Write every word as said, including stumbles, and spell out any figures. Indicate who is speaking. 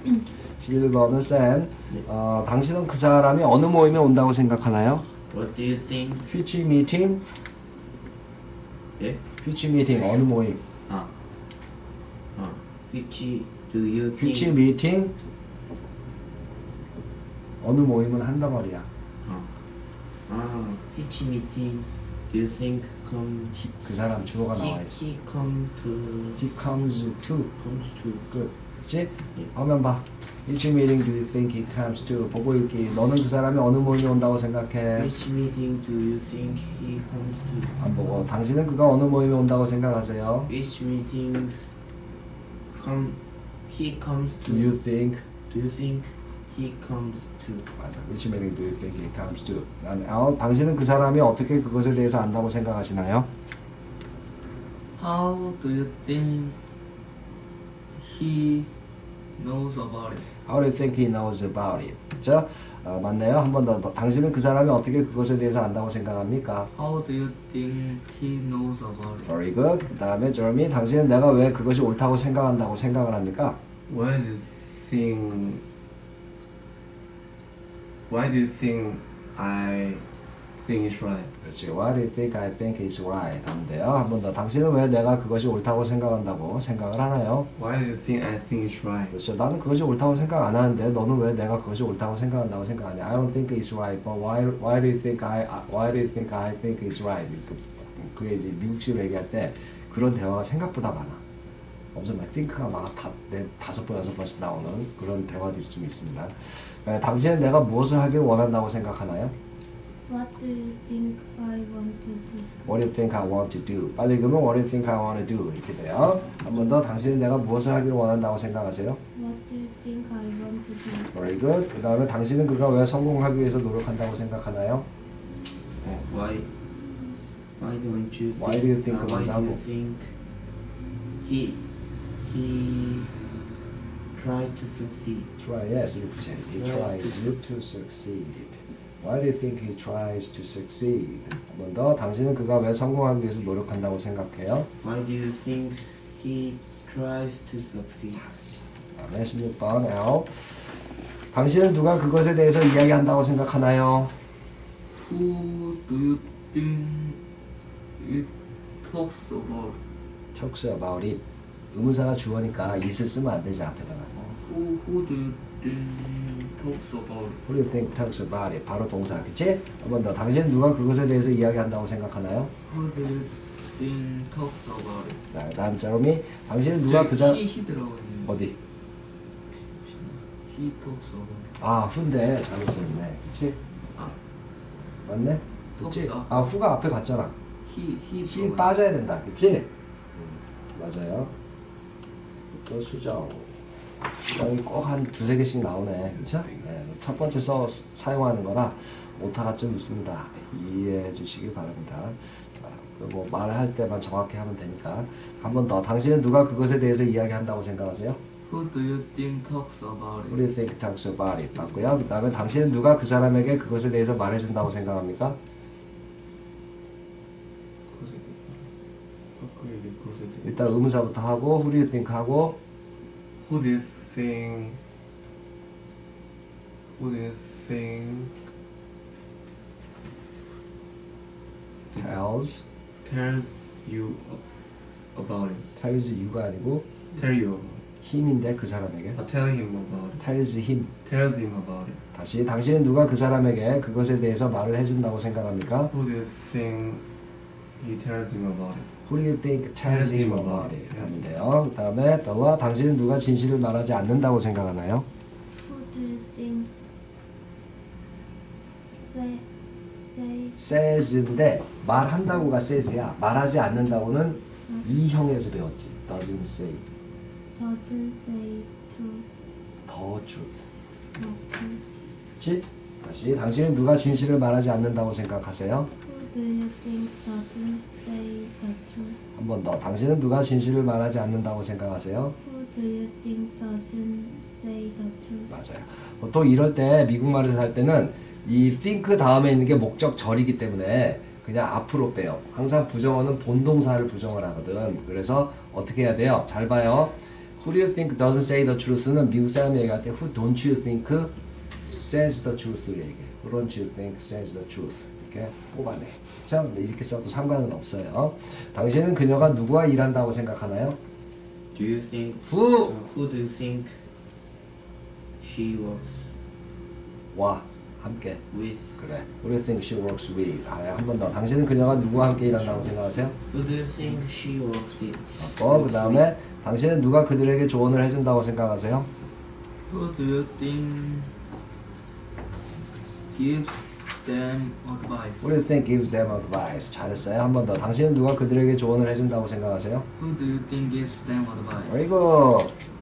Speaker 1: 십일 번은 쌤.
Speaker 2: 네.
Speaker 1: 어, 당신은 그 사람이 어느 모임에 온다고 생각하나요?
Speaker 2: What do you think?
Speaker 1: Which meeting?
Speaker 2: 예?
Speaker 1: Which meeting? 어느 모임?
Speaker 2: 아. 어. Which do you
Speaker 1: Which
Speaker 2: think?
Speaker 1: meeting? 어느 모임은 한단 말이야.
Speaker 2: 어. 아. Which meeting do you think come?
Speaker 1: He, 그 사람 주어가 나와
Speaker 2: He,
Speaker 1: 있어.
Speaker 2: he come to.
Speaker 1: He comes to.
Speaker 2: comes to.
Speaker 1: 끝. 그치?
Speaker 2: 예.
Speaker 1: 화면 봐. Which meeting do you think he comes to? 보고 읽기. 너는 그 사람이 어느 모임에 온다고 생각해?
Speaker 2: Which meeting do you think he comes to?
Speaker 1: 안 보고. 당신은 그가 어느 모임에 온다고 생각하세요?
Speaker 2: Which meetings come? He comes to.
Speaker 1: Do you think?
Speaker 2: Do you think he comes to?
Speaker 1: 맞아. Which meeting do you think he comes to? 그다음에 어, 당신은 그 사람이 어떻게 그것에 대해서 안다고 생각하시나요?
Speaker 3: How do you think he knows about it?
Speaker 1: How do you think he knows about it? 자, 어, 맞네요. 한 번 더. 당신은 그 사람이 어떻게 그것에 대해서 안다고 생각합니까?
Speaker 3: How do you think he knows about it?
Speaker 1: Very good. 그 다음에 Jeremy, 당신은 내가 왜 그것이 옳다고 생각한다고 생각을 합니까?
Speaker 4: Why do you think? Why do you think I think it's right?
Speaker 1: 그렇지. Why do you think I think it's right? 하면 돼요. 한 번 더. 당신은 왜 내가 그것이 옳다고 생각한다고 생각을 하나요?
Speaker 4: Why do you think I think it's right?
Speaker 1: 그렇죠. 나는 그것이 옳다고 생각 안 하는데 너는 왜 내가 그것이 옳다고 생각한다고 생각하냐? I don't think it's right. But why why do you think I why do you think I think it's right? 그, 그게 이제 미국식으로 얘기할 때 그런 대화가 생각보다 많아. 엄청 막 think가 막 다, 네, 다섯 번 여섯 번씩 나오는 그런 대화들이 좀 있습니다. 에, 당신은 내가 무엇을 하길 원한다고 생각하나요?
Speaker 5: What do you think I want to do?
Speaker 1: What do you think I want to do? 빨리 읽으면 What do you think I want to do? 이렇게 돼요. 한 번 더. 당신은 내가 무엇을 하기를 원한다고 생각하세요?
Speaker 5: What do you think I want to do?
Speaker 1: Very good. 그 다음에 당신은 그가 왜 성공하기 위해서 노력한다고 생각하나요?
Speaker 2: 어, why? Why don't you?
Speaker 1: Why do you think
Speaker 2: 아, why
Speaker 1: 먼저
Speaker 2: do you
Speaker 1: 하고.
Speaker 2: think he he tried to succeed?
Speaker 1: Try, yes, 이렇게 붙여야지. He tries to succeed. Why do you think he tries to succeed? 한 번 더. 당신은 그가 왜 성공하기 위해서 노력한다고 생각해요?
Speaker 2: Why do you think he tries to succeed?
Speaker 1: 다음에 십육 번 L. 당신은 누가 그것에 대해서 이야기한다고 생각하나요?
Speaker 3: Who do you think it talks about?
Speaker 1: Talks about it. 의문사가 주어니까 it을 쓰면 안 되지 앞에다가.
Speaker 3: Who who do you think talks about it?
Speaker 1: Who do you think talks about it? 바로 동사, 그치? 한 번 더. 당신은 누가 그것에 대해서 이야기한다고 생각하나요?
Speaker 3: How do you think talks about it?
Speaker 1: 자, 다음 자롬이. 당신은 누가 그 자...
Speaker 3: he he 들어가 있는.
Speaker 1: 어디?
Speaker 3: He talks about it.
Speaker 1: 아, 후인데 잘못 썼네. 그치?
Speaker 3: 아,
Speaker 1: 맞네? 그치?
Speaker 3: 없어.
Speaker 1: 아, 후가 앞에 갔잖아.
Speaker 3: he he
Speaker 1: 히
Speaker 3: 들어가
Speaker 1: 빠져야 된다. 그치? 음, 맞아요. 또 수정. 수정이 꼭 한 두세 개씩 나오네. 그쵸? 네, 첫 번째 써 사용하는 거라 오타가 좀 있습니다. 이해해 주시기 바랍니다. 뭐 말을 할 때만 정확히 하면 되니까. 한 번 더. 당신은 누가 그것에 대해서 이야기한다고 생각하세요?
Speaker 3: Who do you think talks about
Speaker 1: Who
Speaker 3: it?
Speaker 1: do you think talks about it? 맞고요. 그 다음에 당신은 누가 그 사람에게 그것에 대해서 말해준다고 생각합니까?
Speaker 4: 그에게 그것에 대해.
Speaker 1: 일단 의문사부터 하고 Who do you think 하고
Speaker 4: Who do you think? Who do you think
Speaker 1: tells
Speaker 4: tells you about it?
Speaker 1: tells you가 아니고
Speaker 4: Tell you about
Speaker 1: him인데 그 사람에게
Speaker 4: it. I tell him about it.
Speaker 1: tells him.
Speaker 4: Tells him about it.
Speaker 1: 다시 당신은 누가 그 사람에게 그것에 대해서 말을 해준다고 생각합니까?
Speaker 4: Who do you think he tells him about it?
Speaker 1: Who do you think tells him about it? 하면 돼요. 그 다음에 벨라, 당신은 누가 진실을 말하지 않는다고 생각하나요?
Speaker 5: Who do you think say says
Speaker 1: says인데 말한다고가 says야. 말하지 않는다고는 이 형에서 배웠지. doesn't say
Speaker 5: doesn't say truth?
Speaker 1: the truth.
Speaker 5: No truth.
Speaker 1: 그치? 다시 당신은 누가 진실을 말하지 않는다고 생각하세요?
Speaker 5: Who do you think doesn't say the truth?
Speaker 1: 한 번 더. 당신은 누가 진실을 말하지 않는다고 생각하세요?
Speaker 5: Who do you think doesn't say the truth?
Speaker 1: 맞아요. 보통 이럴 때 미국말에서 할 때는 이 think 다음에 있는 게 목적절이기 때문에 그냥 앞으로 빼요. 항상 부정어는 본동사를 부정을 하거든. 그래서 어떻게 해야 돼요? 잘 봐요. Who do you think doesn't say the truth는 미국 사람이 얘기할 때 Who don't you think says the truth를 얘기해. Who don't you think says the truth. 이렇게 뽑아내. 참 이렇게 써도 상관은 없어요. 당신은 그녀가 누구와 일한다고 생각하나요?
Speaker 2: Do you think
Speaker 1: Who?
Speaker 2: uh, who do you think she works
Speaker 1: 와 함께.
Speaker 2: with?
Speaker 1: 그래. Who do you think she works with? 아, 한 번 더. 당신은 그녀가 누구와 함께 일한다고 생각하세요?
Speaker 2: Who do you think she works with?
Speaker 1: 어, 그 다음에 당신은 누가 그들에게 조언을 해준다고 생각하세요?
Speaker 3: Who do you think gives them advice?
Speaker 1: Who do you think gives them advice? 잘했어요. 한 번 더. 당신은 누가 그들에게 조언을 해준다고 생각하세요?
Speaker 3: Who do you think gives them advice?
Speaker 1: Very good.